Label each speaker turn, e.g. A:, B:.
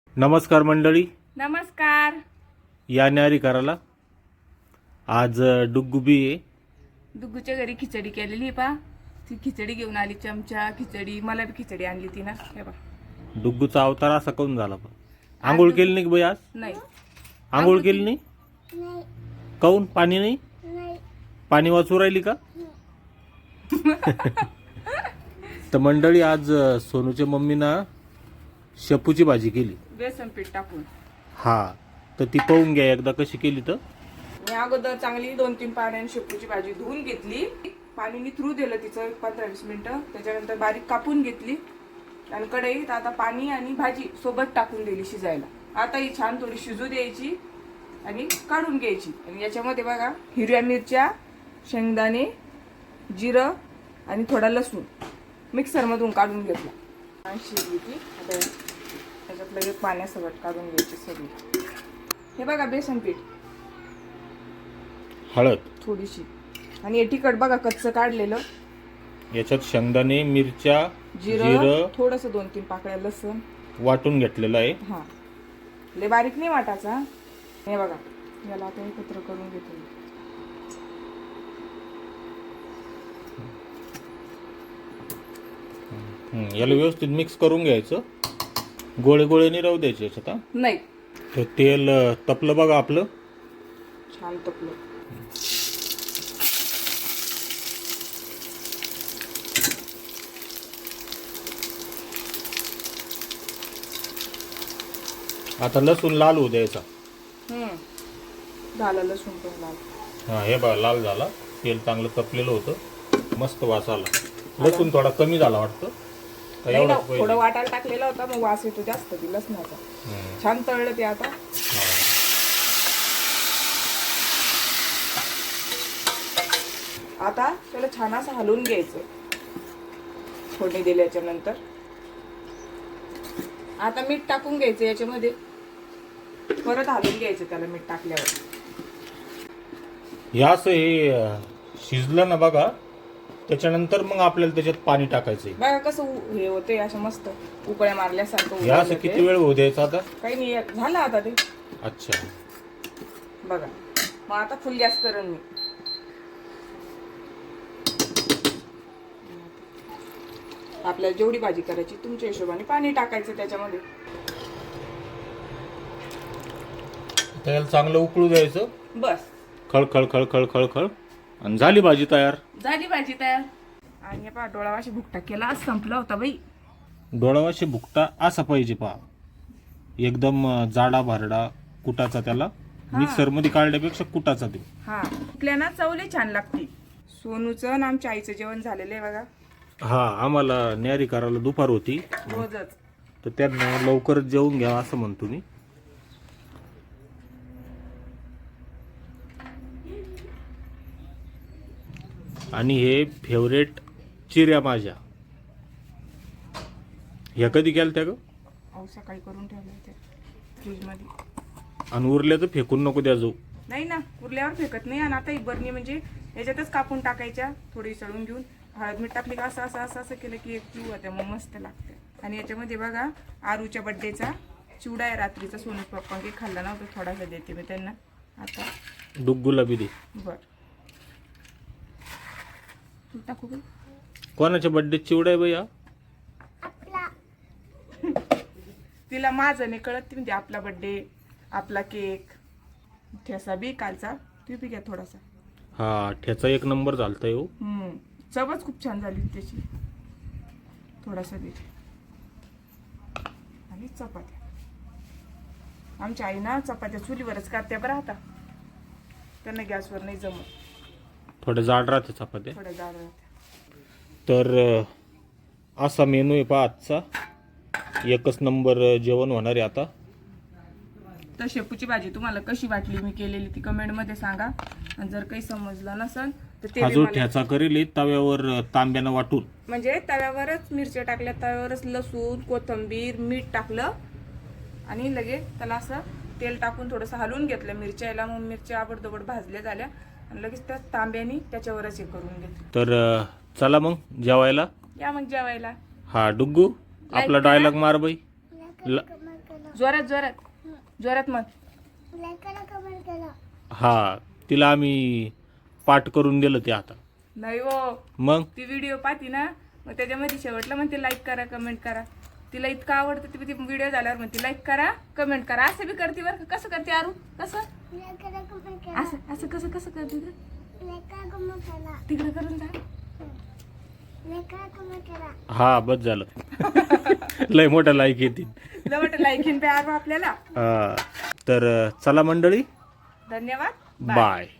A: नमस्कार मंडळी,
B: नमस्कार.
A: या न्यारी करायला आज डुग्गुबी आहे.
B: दुग्गूच्या घरी खिचडी केलेली आहे पा. ती खिचडी घेऊन आली, चमचा खिचडी. मला बी खिचडी आणली ती ना. हे बा,
A: डुग्गूचा अवतार असा काऊन झाला पण? आंघोळ केली नाही का बाई आज?
B: नाही
A: आंघोळ केली नाही? काऊन? पाणी नाही? पाणी वाचू राहिली का? तर मंडळी, आज सोनूच्या मम्मीनं शेपूची भाजी केली,
B: बेसन पीठ टाकून.
A: हा. तर ती पाहून घ्या एकदा कशी केली. तर
B: मी अगोदर चांगली 2-3 पाण्याने शेपूची भाजी धुवून घेतली. पाणी निथरू दिलं तिचं 15-20 मिनिटं. त्याच्यानंतर बारीक कापून घेतली आणि कढईत आता पाणी आणि भाजी सोबत टाकून दिली शिजायला. आता ही छान थोडी शिजू द्यायची आणि काढून घ्यायची. आणि याच्यामध्ये बघा, हिरव्या मिरच्या, शेंगदाणे, जिरं आणि थोडा लसूण मिक्सरमधून काढून घेतला आणि शिजली ती. आता त्याच्यात लगेच पाण्यासोबत काढून घ्यायची सगळी. हे बघा बेसन पीठ,
A: हळद
B: थोडीशी, आणि हे तिखट बघा कच्चं काढलेलं.
A: याच्यात शेंगदाणे, मिरच्या,
B: जिरं, थोडस 2-3 पाकळ्या लसूण
A: वाटून घेतलेलं आहे.
B: हा, लय बारीक नाही वाटायचा. हे बघा, याला आता एकत्र करून घेतो.
A: याला व्यवस्थित मिक्स करून घ्यायचं. गोळे गोळे नाही राहू द्यायचे याच्यात. हा,
B: नाही,
A: तर तेल तपलं बघा आपलं,
B: छान तपलं.
A: आता लसूण लाल होऊ द्यायचा.
B: झालं लसूण पण लाल.
A: हा, हे बघा लाल झाला. तेल चांगलं तपलेलं होतं, मस्त वास आला. लसूण थोडा कमी झाला वाटतं का?
B: नाही ना,
A: एवढं
B: थोडं वाटायला टाकलेला होता, मग वास येतो जास्त ती लसणाचा. छान तळलं ते. आता आता त्याला छान असं हलवून घ्यायचं फोडणी दिल्याच्या नंतर. आता मीठ टाकून घ्यायचं याच्यामध्ये, परत हलवून घ्यायचं त्याला मीठ टाकल्यावर.
A: हे असं हे शिजलं ना बघा, त्याच्यानंतर मग आपल्याला त्याच्यात पाणी टाकायचंय.
B: बघा कसं हे होते, असं मस्त उकळ्या मारल्यासारखं.
A: हे असं किती वेळ होऊ द्यायचं आता?
B: काही नाही, झालं आता ते.
A: अच्छा,
B: बघा, मग आता फुल गॅस करेन मी. आपल्याला जेवढी भाजी करायची तुमच्या हिशोबाने पाणी टाकायचं त्याच्यामध्ये.
A: त्याला चांगलं उकळू द्यायचं.
B: बस,
A: खळ खळ खळ खळ खळ खळ, आणि झाली भाजी तयार.
B: झाली भाजी तयार. आणि पहा, डोळावाशी भुकटा केला, आज संपला होता बाई.
A: डोळावाशी भुकटा असा पाहिजे पहा, एकदम जाडा भारडा कुटाचा. त्याला मिक्सर मध्ये काढल्यापेक्षा कुटाचा देऊ.
B: हा, आपल्याला चवली छान लागते. सोनूचं आणि आमच्या आईचं जेवण झालेलं आहे बघा.
A: हा, आम्हाला न्यारी करायला दुपार होती,
B: रोजच.
A: तर त्यांना लवकरच जेवून घ्या असं म्हणतो मी. आणि हे फेवरेट चिऱ्या माझ्या. ह्या कधी केल्या त्या ग?
B: अहो, सकाळी करून ठेवलं ते फ्रीज मध्ये.
A: आणि उरल्या तर फेकून नको द्या जाऊ.
B: नाही ना, उरल्यावर फेकत नाही. आणि आता ही बरणी म्हणजे याच्यातच कापून टाकायच्या, थोडी सळून घेऊन हळद मीठ टाकली का असं असं असं असं केलं की एक जीव होते, मग मस्त लागते. आणि याच्यामध्ये बघा, आरूच्या बड्डेचा चिवडा आहे रात्रीचा. सोनूच पप्पा काही खाल्ला नव्हतं, थोडासा देते मी त्यांना आता.
A: डुग्गूला बी दे.
B: बर, टाकू का?
A: कोणाच्या बड्डे चिवडा आहे भैया?
B: तिला माझं नाही कळत, ती म्हणजे आपला बड्डे, आपला केक. ठेसा बी कालचा, तू बी घ्या थोडासा.
A: हा, ठ्याचा एक नंबर झालता हो.
B: चवच खूप छान झाली त्याची. थोडासा दे. आणि चपात्या, आमच्या आई ना चपात्या चुलीवरच करत्या बरं. आता त्यांना गॅसवर नाही जमत,
A: थोडे जाड राहते चपात्या.
B: थोड्या जाड राहत्या.
A: तर असा मेनू आहे पहा आजचा. एकच नंबर जेवण होणार आहे आता.
B: तर शेपूची भाजी तुम्हाला कशी वाटली मी केलेली ती कमेंट मध्ये सांगा. आणि जर काही समजलं नसेल तर ते
A: हा
B: बी
A: जो
B: मला-
A: ठ्याचा करेल तव्यावर तांब्यानं वाटून,
B: म्हणजे तव्यावरच मिरच्या टाकल्या, तव्यावरच लसूण, कोथिंबीर, मीठ टाकलं आणि लगेच त्याला असं तेल टाकून थोडंसं हलवून घेतलं मिरच्याला. मग मिरच्या आबडदोबड भाजल्या झाल्या आणि लगेच त्या तांब्याने त्याच्यावरच हे करून घेतलं.
A: तर चला मग जेवायला.
B: या मग जेवायला.
A: हा डुग्गू, आपला
B: करा.
A: डायलॉग मार बाई.
B: जोरात जोरात जोरात मग
A: हा तिला आम्ही पाठ करून दिलं ते आता.
B: नाही हो,
A: मग
B: ती व्हिडिओ पाहती ना, मग त्याच्यामध्ये शेवटला म्हणते लाईक करा कमेंट करा. तिला इतकं आवडतं ती व्हिडिओ झाल्यावर म्हणते लाईक करा कमेंट करा. असं बी करते बरं का. कसं करते आरू? कसं असं असं कसं कसं करते ग? तिकडे करून जा.
A: हा बस झालं. लय मोठं लाईक येतील.
B: लवट लाईक इन पे आरू आपल्याला.
A: तर चला मंडळी,
B: धन्यवाद.
A: बाय.